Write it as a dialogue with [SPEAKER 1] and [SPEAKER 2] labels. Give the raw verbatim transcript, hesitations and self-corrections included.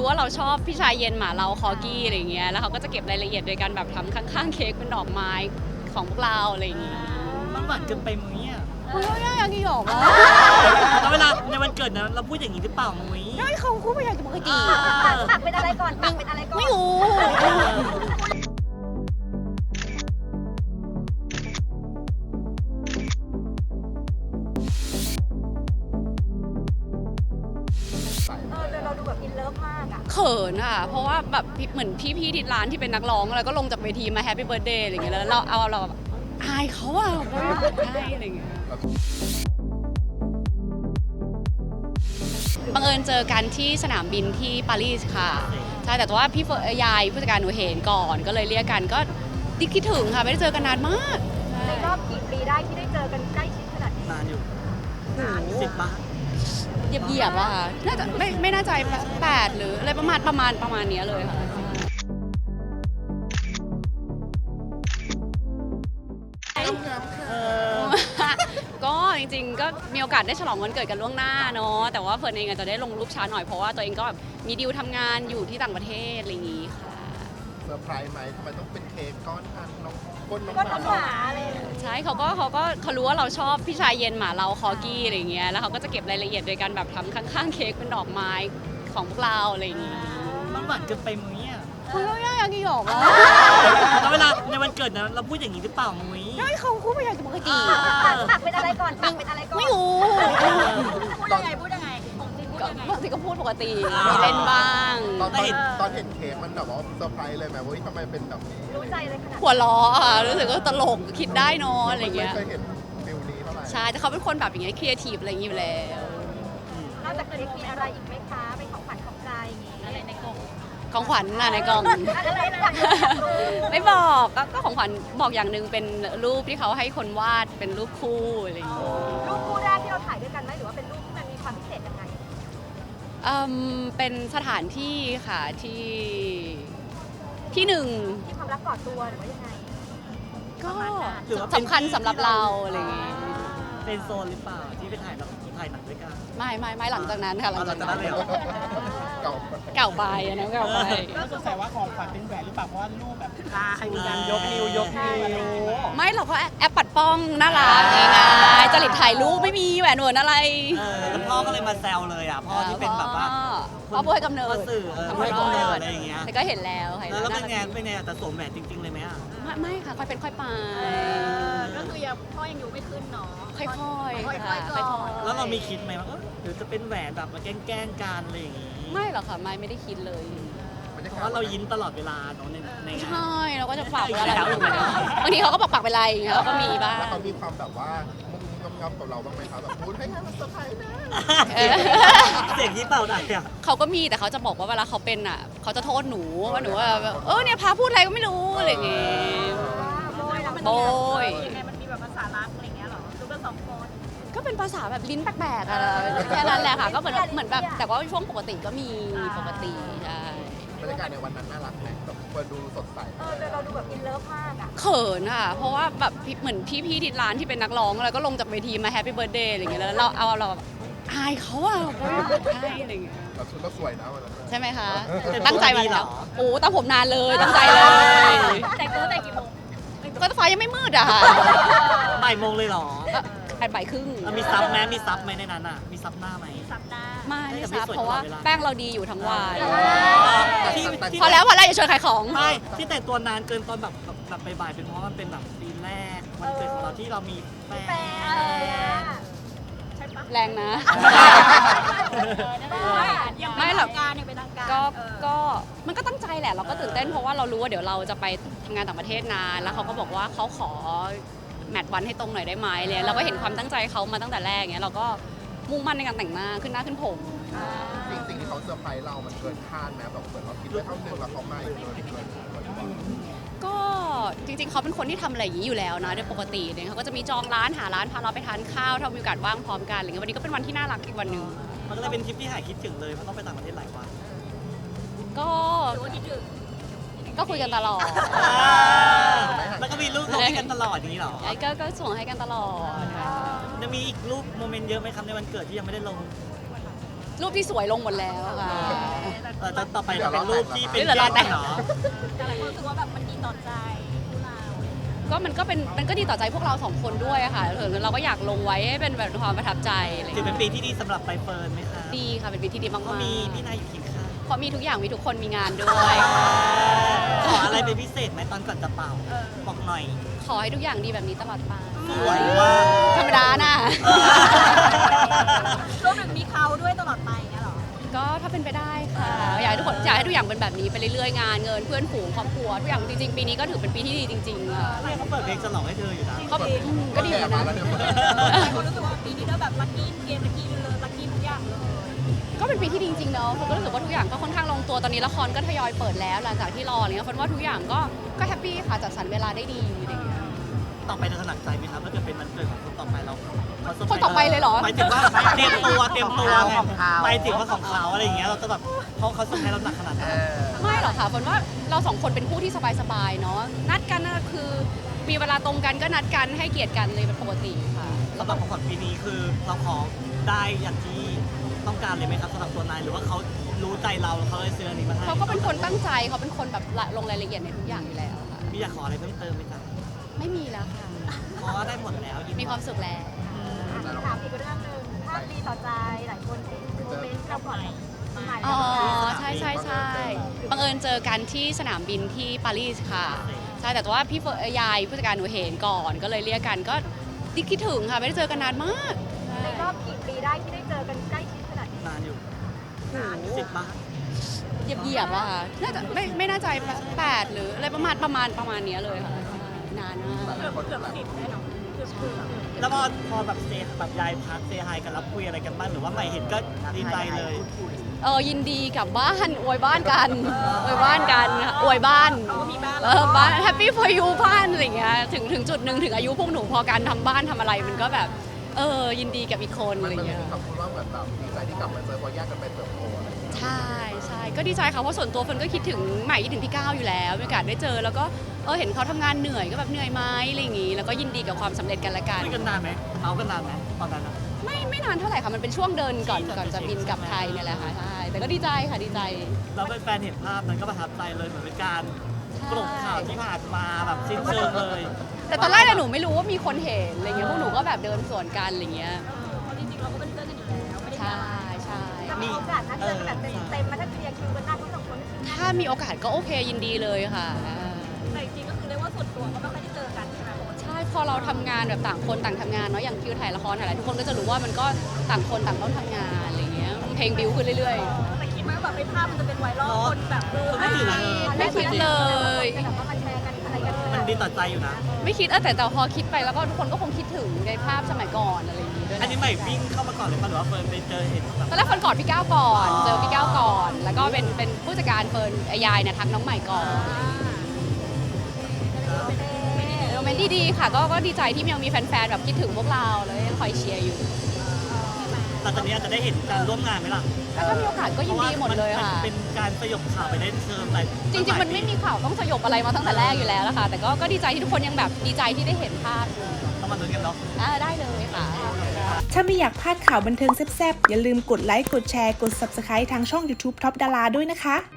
[SPEAKER 1] ว่าเราชอบพี่ชายเย็นหมาเราคอกี้อะไรเงี้ยแล้วเขาก็จะเก็บรายละเอียดโดยการแบบทำข้างๆเค้กเป็นดอกไม้ของพวกเราอะไรอย่างงี้
[SPEAKER 2] มันหวานเกินไปมุ้ยอ่ะ
[SPEAKER 1] คุณก็ยังกี่หรอกอ่ะ
[SPEAKER 2] แล้วเวลาในวันเกิดนะเราพูดอย่างนี้หรือเปล่ามุ้ย
[SPEAKER 1] ไม่เขาคู่ไม่อยากจะปกติ
[SPEAKER 3] ตักเป็นอะไรก่อนตักเป็นอะไรก่อน
[SPEAKER 1] ไม่รู้
[SPEAKER 3] เออแต่เราดูแบบอินเลิฟมากอ่ะ
[SPEAKER 1] เขินอ่ะเพราะว่าแบบเหมือนพี่ๆที่ร้านที่เป็นนักร้องแล้วก็ลงจากเวทีมาแฮปปี้เบิร์ดเดย์อะไรอย่างเงี้ยแล้วเราเอาเราแบบอายเขาอ่ะใช่อะไรอย่างเงี้ยบังเอิญเจอกันที่สนามบินที่ปารีสค่ะใช่แต่ว่าพี่เฟยยายผู้จัดการหนูเห็นก่อนก็เลยเรียกกันก็คิดถึงค่ะไม่ได้เจอกันนานมาก
[SPEAKER 3] ในรอบกี่ปีได้ที่ได้เจอกันใกล้ชิดขนาดนี้
[SPEAKER 2] นานอยู่
[SPEAKER 1] โอ้โห
[SPEAKER 2] สิบปะ
[SPEAKER 1] เหยียบเหยียบๆอะค่ะน่าจะไม่ไม่น่าใจแปดหรืออะไรประมาณประมาณประมาณเนี้ยเลยค่ะ
[SPEAKER 2] เออ
[SPEAKER 1] ก็จริงๆ ก็มีโอกาสได้ฉลองวันเกิดกันล่วงหน้าเนาะแต่ว่าเฟิร์นเองอาจจะได้ลงรูปช้าหน่อยเพราะว่าตัวเองก็แบบมีดีลทำงานอยู่ที่ต่างประเทศอะไรอย่างงี้ค่ะ
[SPEAKER 4] เซอร์ไพรส์ไหมทำไมต้องเป็นเค้กก้อนอันน้องก้นน้อง
[SPEAKER 3] ก็
[SPEAKER 4] ห
[SPEAKER 3] น้
[SPEAKER 4] มา
[SPEAKER 3] องหมาอะไรอย่างเงี้ย
[SPEAKER 1] ใช่เขาก็เขาก็เขารู้ว่าเราชอบพี่ชายเย็นหมาเราคอกี้อะไรอย่างเงี้ยแล้วเขาก็จะเก็บรายละเอียดโดยการแบบทำข้างๆเค้กเป็นดอกไม้ของพวกเราอะไรอย่างงี้
[SPEAKER 2] มันหวานเกินไปมุ้ยอ่ะ
[SPEAKER 1] คุณก็ยังกี่หรอกอ่ะ
[SPEAKER 2] แล้วเวลาในวันเกิดนะเราพูดอย่างนี้หรือเปล่ามุ้ย
[SPEAKER 1] ไม่เขาคู่ไม่อยากจะปกติ
[SPEAKER 3] ตักเป็นอะไรก่อนตักเป็นอะไรก่อน
[SPEAKER 1] ไม่รู้
[SPEAKER 3] พูดยังไงพูดยังไงของจริงพูด
[SPEAKER 1] ก็
[SPEAKER 3] ยังไง
[SPEAKER 1] บางทีก็พูดปกติมีเล่นบ้าง
[SPEAKER 4] ตอนตอนตอนเห็นเค้กมันแบบว่าเซอร์ไพรส์เลยไหมว่าทำไมเป็นแบบนี้
[SPEAKER 3] รู้ใจเลยขนาด
[SPEAKER 1] หัวล้อค่ะรู้สึกว่าตลกคิดได้เนอะอะไรอย่างเงี้ย
[SPEAKER 4] ไม่เคยเห็นฟิลนี้เท่าไหร่
[SPEAKER 1] ใช่แต่เขาเป็นคนแบบอย่างเงี้ยครีเอทีฟอะไรอย่างงี้อยู่แล้ว
[SPEAKER 3] นอกจากเค้กมีอะไรอีกไหมคะเป็นของขวัญของใจอย่างงี้อะไรในกล่อง
[SPEAKER 1] ของขวัญน่ะในกล่อง
[SPEAKER 3] อะไรนะ
[SPEAKER 1] ไม่บอกก็ก็ของขวัญบอกอย่างหนึ่งเป็นรูปที่เขาให้คนวาดเป็นรูปคู่อะไรอย่างเงี้ย
[SPEAKER 3] รูปคู่แรกที่เราถ่ายด้วยกันไหมหรือว่าเป็นรูปที่มันมีความพิเศษยังไง
[SPEAKER 1] อืมเป็นสถานที่ค่ะที่ที่หนึ่ง
[SPEAKER 3] ที่ความรักกอดตัวหรือว่ายังไง
[SPEAKER 1] ก็
[SPEAKER 2] หรือว่าเป็น
[SPEAKER 1] สำคัญสำหรับเราอะไรอย่างเงี้ย
[SPEAKER 2] เป็นโซนหรือเปล่าที่ไปถ่ายแบบถ่ายหนังด้วยกัน
[SPEAKER 1] ไม่ไม่ไม่หลังจากนั้นค่ะหลังจากนั้น
[SPEAKER 2] หลังจากนั้นเลยเหรอ
[SPEAKER 4] เก่า
[SPEAKER 1] เก่าไปอันนั้นเก่าไป
[SPEAKER 5] ก็สงสัยว่าของขวัญเป็นแหวนหรือเปล่าเพราะว่ารูปแบบตามีการยกนิ้วยกนิ้ว
[SPEAKER 1] ไม่เราก็แอปปัดป้องน่ารักง่ายๆจริตถ่ายรูปไม่มีแหวนเหวนอะไร
[SPEAKER 2] เออแล้วพ่อก็เลยมาแซวเลยอ่ะพ่อที่เป็นแบบว่า
[SPEAKER 1] พ่อผู้ให้กำเนิ
[SPEAKER 2] พ่อ
[SPEAKER 1] ด
[SPEAKER 2] สื่อเออผู้ให้กำเนิดอะไรอย่างเงี้ย
[SPEAKER 1] แต่ก็เห็นแล้วค่ะ
[SPEAKER 2] แล้วแล้วเป็นไง
[SPEAKER 1] ารัก
[SPEAKER 2] เป็นไงแต่สวมแหวนจริงๆเลยไหมอ่ะ
[SPEAKER 1] ไม่ไม่ค่ะค่อยเป็นค่อยไป
[SPEAKER 3] ก็คือยังพ่อยังอยู่ไม่ขึ้นเนาะ
[SPEAKER 1] ค่อยๆค่ะ
[SPEAKER 3] ค่อยๆก่อน
[SPEAKER 1] ค่อยๆ
[SPEAKER 2] แล้วเรามีคิดไหมว่าเออหรือจะเป็นแหวนแบบมาแกล้งๆกันอะไรอย่างงี้
[SPEAKER 1] ไม่หรอกค่ะไม่ไม่ได้คิดเลย
[SPEAKER 4] บรรยา
[SPEAKER 2] เพ
[SPEAKER 4] กาศ
[SPEAKER 2] ราะว่าเรายิ้มตลอดเวลาเนาะในในงาน
[SPEAKER 1] ใช่เราก็จะฝากไว้อะไร
[SPEAKER 2] แล้ว
[SPEAKER 1] บางทีเขาก็บอกฝากไปอะไรอย่างเงี้ยเราก็มีบ้าง
[SPEAKER 4] แล้วเขามีความแบบว่ามุมงำๆกับเราบ้างไหมครับแบบพูดให้มันเซอร์ไพรส์นะ
[SPEAKER 1] เออ
[SPEAKER 2] เสียงที่เป่าได้อ่ะ
[SPEAKER 1] เขาก็มีแต่เขาจะบอกว่าเวลาเขาเป็นอ่ะเขาจะโทษหนูว่าหนูว่าแบบเออเนี่ยพาพูดอะไรก็ไม่รู้อะไรอย่างเงี้ย
[SPEAKER 3] โบยเรา
[SPEAKER 1] โบย
[SPEAKER 3] ยังไงมันมีแบบภาษารักอะไรเงี้ยหรอดูกันสองคน
[SPEAKER 1] ก็เป็นภาษาแบบลิ้นแปลกๆอะแค่นั้นแหละค่ะก็เหมือนแบบเหมือนแบบแต่ว่าช่วงปกติก็มีปกติใช่
[SPEAKER 4] บรรยากาศในวันนั้นน่ารักไหมแบบเปิดดูสดใส
[SPEAKER 3] เออแต่เราดูแบบอินเลิฟมากอ่ะ
[SPEAKER 1] เขินอ่ะเพราะว่าแบบเหมือนพี่ๆที่ร้านที่เป็นนักร้องแล้วก็ลงจากเวทีมาแฮปปี้เบิร์ดเดย์อะไรอย่างเงี้ยแล้วเราเอาเราแบบอายเขาอ่ะใช่อะไรอย่างเงี้ย
[SPEAKER 4] เราชุดเราสวยนะวันนั้น
[SPEAKER 1] ใช่ไหมคะ
[SPEAKER 2] เออ
[SPEAKER 1] ตั้งใจมาแล้วโอ้ตั้งผมนานเลยตั้งใจเลย
[SPEAKER 3] แต่งตัวแต่งกี่โมง
[SPEAKER 1] ก็ฟ้ายังไม่มืดอ่ะค่ะ
[SPEAKER 2] บ่ายโมงเลยเหรอ
[SPEAKER 1] ก็แอบบ่ายครึ่ง
[SPEAKER 2] แล้วมีซับไหมมีซับไหมในนั้นอ่ะมีซับหน้าไหม
[SPEAKER 3] สัปดาห์
[SPEAKER 1] ไม่
[SPEAKER 2] แต่
[SPEAKER 1] ไม่
[SPEAKER 2] ไม่
[SPEAKER 1] ทราบ
[SPEAKER 2] สวย
[SPEAKER 1] เพราะว่า
[SPEAKER 2] ตลอดเวลา
[SPEAKER 1] แป้งเราดีอยู่ทั้งวัน
[SPEAKER 2] ที่ที่
[SPEAKER 1] พอแล้วพอแล้วอย่าชวนขายของ
[SPEAKER 2] ไม่ที่แต่งตัวนานเกินตอนแบบแบบแบบบ่ายๆเป็นเพราะมันเป็นแบบปีแรกวันเกิดของเราที่เรามีแฟ
[SPEAKER 3] แฟ
[SPEAKER 2] น
[SPEAKER 3] นใช่ปะ
[SPEAKER 1] แรงนะ ไม่หรอก
[SPEAKER 3] การยังเป็นทางการ
[SPEAKER 1] ก็ก็มันก็ตั้งใจแหละเราก็ตื่นเต้นเพราะว่าเรารู้ว่าเดี๋ยวเราจะไปทำงานต่างประเทศนานแล้วเขาก็บอกว่าเขาขอแมทวันให้ตรงหน่อยได้ไหมเลยเราก็เห็นความตั้งใจเขามาตั้งแต่แรกเงี้ยเราก็มุ่งมั่นในการแต่งหน้าขึ้นหน้าขึ้นผม
[SPEAKER 4] สิ่งสิ่งที่เขาเซอร์ไพรส์เรา มันเกินคาดไหมแบบเหมือนเราคิดไว้เท่านึงแล้วเขามาอีกเกินเกินเกินกว่า
[SPEAKER 1] ก็จริงๆเขาเป็นคนที่ทำอะไรอย่างนี้อยู่แล้วนะโดยปกติเนี่ยเขาก็จะมีจองร้านหาร้านพาเราไปทานข้าวถ้ามีโอกาสว่างพร้อมกันอะไรเงี้ยวันนี้ก็เป็นวันที่น่ารักอีกวันหนึ่ง
[SPEAKER 2] มันก็เลยเป็นทริปที่หายคิดถึงเลยเพราะต้องไปต่างประเทศหลายวัน
[SPEAKER 1] ก็
[SPEAKER 3] ดูคิดถึง
[SPEAKER 1] ก็คุยกันตลอด
[SPEAKER 2] แล้วก็มีรูปลงให้กันตลอดอย่างนี้เหรอ
[SPEAKER 1] ไอ้ก็ก็ส่งให้กันตลอดค่ะ
[SPEAKER 2] จะมีอีกรูปโมเมนต์เยอะไหมครับในวันเกิดที่ยังไม่ได้ลง
[SPEAKER 1] กรูปที่สวยลงหมดแล้วค่ะ
[SPEAKER 2] เออต่อไปจะเป็นรูปที่เป็น
[SPEAKER 1] เดี๋ยวเราแต่ง
[SPEAKER 2] เหรอ
[SPEAKER 3] แต่หลายคนรู้สึกว่าแบบมันดีต่อใจคู่เรา
[SPEAKER 1] ก็มันก็เป็นมันก็ดีต่อใจพวกเราสองคนด้วยอะค่ะเออเราก็อยากลงไว้ให้เป็นแบบความประทับใจอะไรอย่าง
[SPEAKER 2] ถือ
[SPEAKER 1] เงี้ย
[SPEAKER 2] เป็นปีที่ดีสำหรับใบเฟิร์นไหมคะ
[SPEAKER 1] ดีค่ะเป็นปีที่ดีมาก
[SPEAKER 2] ก็มีพี่
[SPEAKER 1] ๆ
[SPEAKER 2] นายอยู่เคียงข้าง
[SPEAKER 1] เพราะมีทุกอย่างมีทุกคนมีงานด้วย
[SPEAKER 2] ขออะไรเป็นพิเศษไหมตอนก่อนจะเป่าบอกหน่อย
[SPEAKER 1] ขอให้ทุกอย่างดีแบบนี้ตลอดไป
[SPEAKER 2] สวยมาก
[SPEAKER 1] ธรรมดาน่ะ
[SPEAKER 3] รวมถึงมีเขาด้วยตลอดไปอย่างเงี้ยเหรอ
[SPEAKER 1] ก็ถ้าเป็นไปได้ค่ะอยากให้ทุกคนอยากให้ทุกอย่างเป็นแบบนี้ไปเรื่อยๆงานเงินเพื่อนฝูงครอบครัวทุกอย่างจริงๆปีนี้ก็ถือเป็นปีที่ดีจริงๆอะ
[SPEAKER 2] เนี่ยเขาเปิดเพลงฉลองให้เธออยู่นะ
[SPEAKER 1] ก็อืมก็ดีเหมือนกัน
[SPEAKER 4] แล้ว
[SPEAKER 1] นะ
[SPEAKER 4] เนี่ย
[SPEAKER 3] หลายคนรู้สึกว่าปีนี้ก็แบบลัคกี้เกมลัคกี้เลยลัคกี้ทุกอย่างเลย
[SPEAKER 1] ก็เป็นปีที่ดีจริงๆเนาะผมก็รู้สึกว่าทุกอย่างก็ค่อนข้างลงตัวตอนนี้ละครก็ทยอยเปิดแล้วหลังจากที่รออะไรเงี้ยคนว่าทุกอย่างก็ก็แฮปปี้ค่ะจัดสรรเวลาได้ดีอะไรเงี้ย
[SPEAKER 2] ต่อไปจะถนัดใจไหมครับถ้าเกิดเป็นวันเกิดของคนต่อไปเราเขาเซร์พรส์
[SPEAKER 1] คนต่อไปเลยเหรอ
[SPEAKER 2] หมายถึงว่าเตรียมตัวเตรียมตัวไงหมายถึงว่าของเขาอะไรอย่างเงี้ยเราจะแบบเขาเขาเซอร์ไพรส์เราหนักขนาดไหน
[SPEAKER 1] ไม่หรอกค่ะฝนว่าเราสองคนเป็นคู่ที่สบายๆเนาะนัดกันน่ะคือมีเวลาตรงกันก็นัดกันให้เกียรติกันเลยเป็นปกติค่ะ
[SPEAKER 2] สำหรับของขวัญปีนี้คือเราขอได้อย่างที่ต้องการเลยไหมครับสำหรับตัวนายหรือว่าเขารู้ใจเราแล้วเขาเลยซื้ออันนี้มาให้
[SPEAKER 1] เขาก็เป็นคนตั้งใจเขาเป็นคนแบบละลงรายละเอียดในทุกอย่างอยู่แล้วค่ะ
[SPEAKER 2] พี่อยากขออะไรเพิ่มเติมไหมจ๊ะ
[SPEAKER 1] ไม่มีแล้วค่ะ
[SPEAKER 2] เพราะว่าได้หมดแล้วยินดี
[SPEAKER 1] มีความสุขแล้ว
[SPEAKER 3] ถามอีกเรื่องหนึ่งภาพดีต่อใจหลายคนเห็นโมเมนต์เราก่อนหมาย
[SPEAKER 1] อ๋อใช่ใช่ใช่บังเอิญเจอกันที่สนามบินที่ปารีสค่ะใช่แต่ว่าพี่เฟิร์นยายผู้จัดการหนูเห็นก่อนก็เลยเรียกกันก็คิดถึงค่ะไม่ได้เจอกันนานมาก
[SPEAKER 3] ในรอบกี่ปีได้ที่ได้เจอกันใกล้ชิดขนาดนี้
[SPEAKER 2] นานอยู่สิบปะ
[SPEAKER 1] เหยียบเหยียบๆอะค่ะน่าจะไม่ไม่น่าใจแปดหรืออะไรประมาณประมาณประมาณเนี้ยเลยค่ะนานมาก
[SPEAKER 3] เกือบเกือบสิบแน่นอนเกือบเกือบ
[SPEAKER 2] แล้วพอพอแบบเซฟแบบยายพักเซฮายกันรับคุยอะไรกันบ้างหรือว่าใหม่เห็นก็ดีใจเลย
[SPEAKER 1] เออยินดีกลับบ้านอวยบ้านกันอวยบ้านกันอวยบ้าน
[SPEAKER 3] เขาก็มีบ้าน
[SPEAKER 1] เออบ้านแฮปปี้พอยูบ้านอะไรอย่างเงี้ยถึงถึงจุดหนึ่งถึงอายุพวกหนูพอการทำบ้านทำอะไรมันก็แบบเออยินดีกับอีกคน
[SPEAKER 4] มั
[SPEAKER 1] อะ
[SPEAKER 4] น
[SPEAKER 1] ไร
[SPEAKER 4] มัน
[SPEAKER 1] เงี้ย
[SPEAKER 4] มีคำพูดว่าเหมือนแบบดีใจที่กลับมาเจอพอแยกกันไปเติบโตอะไรอย่างเงี้ย
[SPEAKER 1] ใช่ใช่ก็ดีใจค่ะเพราะส่วนตัวเฟิร์นก็คิดถึงใหม่คิดถึงพี่ก้าวอยู่แล้วมีโอกาสได้เจอแล้วก็เออเห็นเขาทำงานเหนื่อยก็แบบเหนื่อยไหมอะไรอย่างงี้แล้วก็ยินดีกับความสำเร็จกันละกัน
[SPEAKER 2] คุยกันนานไหมเมากันนานไหมตอนนั้นอะ
[SPEAKER 1] ไม่ไม่นานเท่าไหร่ค่ะมันเป็นช่วงเดินก่อน
[SPEAKER 2] ที่จะ
[SPEAKER 1] ก่อนจะบินกลับไทยเนี่ยแหละค่ะใช่แต่ก็ดีใจค่ะดีใจ
[SPEAKER 2] แล้วแฟนๆเห็นภาพนั้นก็ประทับใจเลยเหมือนเป็นการกลบข่าวที่ผ่านมาแบบสิ้นเชิงเลย
[SPEAKER 1] แต่ตอนแรกเนี่ยหนูไม่รู้ว่ามีคนเห็นอะไรเงี้ยพวกหนูก็แบบเดินสวนกันอะไรเงี้ย
[SPEAKER 3] เพราะจริงๆเราก็เป็นเพื่อนกันอยู่แล้วไม่ได้
[SPEAKER 1] ใช่ใช่
[SPEAKER 3] จะมีโอกาสนัดเจอกันแบบเต็มๆมาถ้าเคลียร์คิวกันได้ทั้งสองคน
[SPEAKER 1] ถ้ามีโอกาสก็โอเคยินดีเลยค่ะอ่า
[SPEAKER 3] แต่จริงๆก็คือเรียกว่าส่วนตัวก็ไม่ค่อยได้เจอกันใช่ไหม
[SPEAKER 1] ใช่พอเราทำงานแบบต่างคนต่างทำงานเนาะอย่างคิวถ่ายละครถ่ายอะไรทุกคนก็จะรู้ว่ามันก็ต่างคนต่างต้องทำงานอะไรเงี้ยเพลงบิวขึ้นเรื่อย
[SPEAKER 3] แต่คิดไหมว่าแบบเป็นภาพมันจะเป็นไวรัลคนแบบเออ
[SPEAKER 2] ไม่ถึงนะ
[SPEAKER 1] ๆ ไม่คิดเลย
[SPEAKER 3] แบบว่ามาแชร์กันอะไรกัน
[SPEAKER 2] มันดีต่อใจอยู่นะ
[SPEAKER 1] ไม่คิดเออแต่แต่พอคิดไปแล้วก็ทุกคนก็คงคิดถึงในภาพสมัยก่อนอะไรอย่างงี้ด้วย
[SPEAKER 2] อันนี้ใหม่วิ่งเข้ามาก่อนเลยป่ะหรือว่าเฟิร์นไปเจอเห็นแบบ
[SPEAKER 1] ตอนแรกเฟิร์นกอดพี่ก้าวก่อน เจอพี่ก้าวก่อน แล้วก็เป็นเป็นผู้จัดการเฟิร์นยายเนี่ยทักน้องใหม่ก่อนโมเมนต์ดีๆค่ะก็ก็ดีใจที่ยังมีแฟนๆแบบคิดถึงพวกเราเลยคอยเชียร์อยู่
[SPEAKER 2] หลังจากนี้อาจจะได้เห็นการร่วมงานไหมล่ะ
[SPEAKER 1] ถ้ามีโอกาสก็ยินดีหมดเลยค่ะ
[SPEAKER 2] พราว่ามันเป็นการสยบข่าวไปได้เชิงแต่
[SPEAKER 1] จริงๆ มันไม่มีข่าวต้องสยบอะไรมาตั้งแต่แรกอยู่แล้วนะคะแต่ก็ก็ดีใจที่ทุกคนยังแบบดีใจที่ได้เห็นภาพอยู่
[SPEAKER 2] ต้องมาลุ้นกันเนาะ
[SPEAKER 1] อ่าได้เลยค่ะ
[SPEAKER 6] ถ้าไม่อยากพลาดข่าวบันเทิงแซ่บๆ อย่าลืมกดไลค์ กดแชร์ กด ซับสไครบ์ ทางช่อง ยูทูบ ท็อปดารา ด้วยนะคะ